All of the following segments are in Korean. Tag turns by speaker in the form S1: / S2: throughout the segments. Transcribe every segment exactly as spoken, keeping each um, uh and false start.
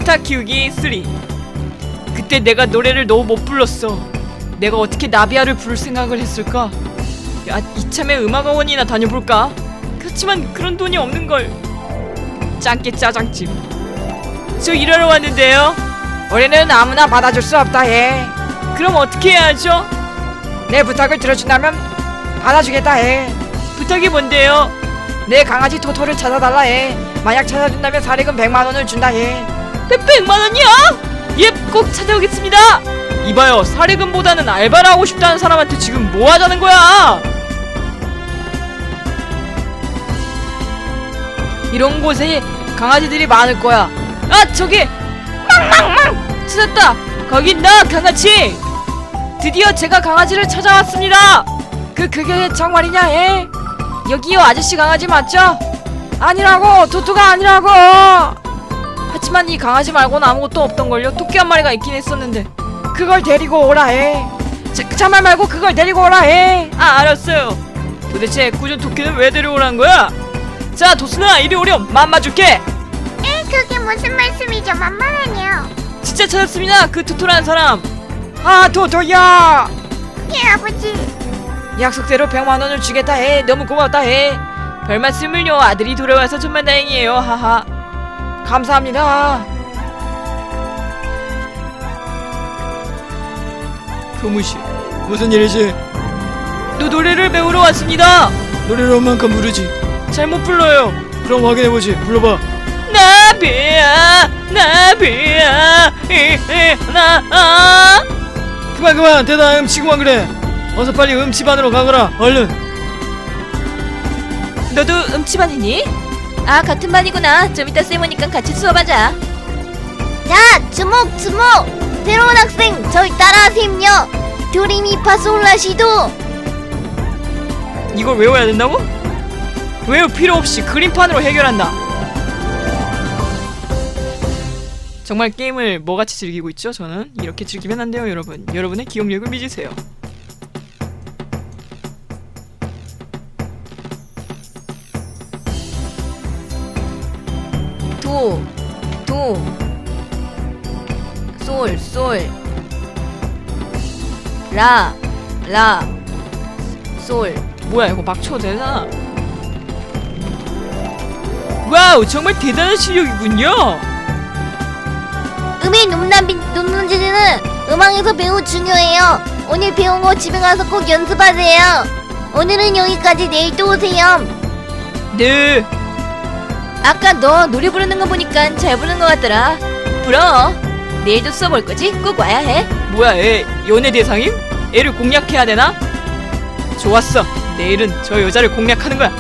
S1: 스타 키우기 삼. 그때 내가 노래를 너무 못 불렀어. 내가 어떻게 나비야를 부를 생각을 했을까? 야, 이참에 음악학원이나 다녀볼까? 그렇지만 그런 돈이 없는걸. 짱깨 짜장집. 저 일하러 왔는데요.
S2: 우리는 아무나 받아줄 수 없다 해.
S1: 그럼 어떻게 해야죠?
S2: 내 부탁을 들어준다면 받아주겠다 해.
S1: 부탁이 뭔데요?
S2: 내 강아지 토토를 찾아달라 해. 만약 찾아준다면 사례금 백만 원을 준다 해.
S1: 백만 원이요? 예, 꼭 찾아오겠습니다. 이봐요, 사례금보다는 알바를 하고 싶다는 사람한테 지금 뭐 하자는 거야? 이런 곳에 강아지들이 많을 거야. 아, 저기! 망망망! 찾았다! 거기 있나, 강아지! 드디어 제가 강아지를 찾아왔습니다!
S2: 그 그게 정말이냐 해? 여기요 아저씨 강아지 맞죠? 아니라고 토토가 아니라고.
S1: 하지만 이 강아지 말고는 아무것도 없던걸요? 토끼 한 마리가 있긴 했었는데.
S2: 그걸 데리고 오라 해. 자, 참말 말고 그걸 데리고 오라 해.
S1: 아, 알았어요. 도대체 애꿎은 토끼는 왜 데려오라는 거야? 자, 도순아, 이리 오렴. 맘마 줄게.
S3: 에, 그게 무슨 말씀이죠? 만만하네요.
S1: 진짜 찾았습니다. 그 토토라는 사람.
S2: 아 토토야.
S3: 예, 아버지.
S2: 약속대로 백만 원을 주겠다 해. 너무 고맙다 해.
S1: 별 말씀을요. 아들이 돌아와서 정말 다행이에요. 하하.
S2: 감사합니다.
S1: 교무실. 무슨 일이지? 너 노래를 배우러 왔습니다. 노래를 얼만큼 부르지? 잘못 불러요. 그럼 확인해보지. 불러봐. 나비야 나비야 이나. 그만 그만. 대다 음치고만 그래. 어서 빨리 음치반으로 가거라. 얼른. 너도 음치반이니? 아, 같은 반이구나. 좀 이따 쌤 오니까 같이 수업하자.
S3: 자, 주목, 주목. 새로운 학생, 저희 따라하셈요. 도리미파솔라시도.
S1: 이걸 외워야 된다고? 외울 필요 없이 그림판으로 해결한다. 정말 게임을 뭐같이 즐기고 있죠? 저는 이렇게 즐기면 안 돼요, 여러분. 여러분의 기억력을 믿으세요. 도, 도, 솔, 솔, 라, 라, 솔. 뭐야, 이거 막 쳐도 되잖아. 와우, 정말 대단한 실력이군요.
S3: 음의 높낮이, 높낮이는 음악에서 매우 중요해요. 오늘 배운 거 집에 가서 꼭 연습하세요. 오늘은 여기까지. 내일 또 오세요.
S1: 네. 아까 너 노래 부르는 거 보니까 잘 부르는 것 같더라. 불어. 내일도 수업 올 거지? 꼭 와야 해. 뭐야, 애 연애 대상임? 애를 공략해야 되나? 좋았어. 내일은 저 여자를 공략하는 거야.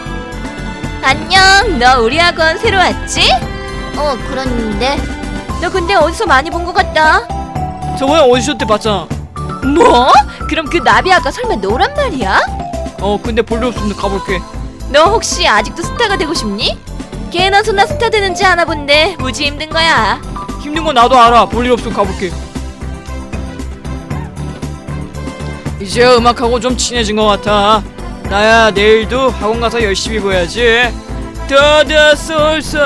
S1: 안녕. 너 우리 학원 새로 왔지?
S3: 어, 그런데.
S1: 너 근데 어디서 많이 본 것 같다. 저번에 오디션 때 봤잖아. 뭐? 그럼 그 나비 아까 설마 너란 말이야? 어, 근데 볼 일 없으면 가볼게. 너 혹시 아직도 스타가 되고 싶니? 걔나 소나 스타 되는지 아나 본데 무지 힘든 거야. 힘든 건 나도 알아. 볼 일 없으면 가볼게. 이제 음악하고 좀 친해진 것 같아. 나야 내일도 학원 가서 열심히 보야지. 도도솔솔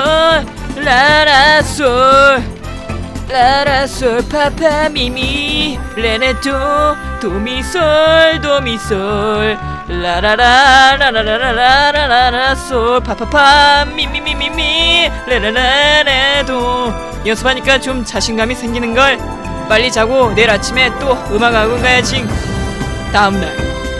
S1: 라라솔 라라솔 파파미미 레네도 도미솔 도미솔 라라라 라라라라라라라솔 파파파 미미미미미 레라라레도. 연습하니까 좀 자신감이 생기는걸. 빨리 자고 내일 아침에 또 음악학원 가야지. 다음날.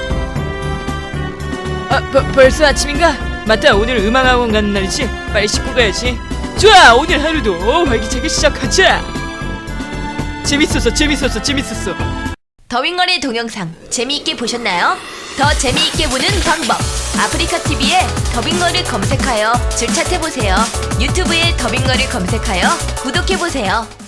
S1: 아, 버, 벌써 아침인가? 맞다, 오늘 음악학원 가는 날이지? 빨리 씻고 가야지. 좋아, 오늘 하루도 활기차게 시작하자. 재밌었어 재밌었어 재밌었어. 더빙거리 동영상 재미있게 보셨나요? 더 재미있게 보는 방법, 아프리카티비에 더빙거리 검색하여 줄 찾아보세요. 유튜브에 더빙거리 검색하여 구독해보세요.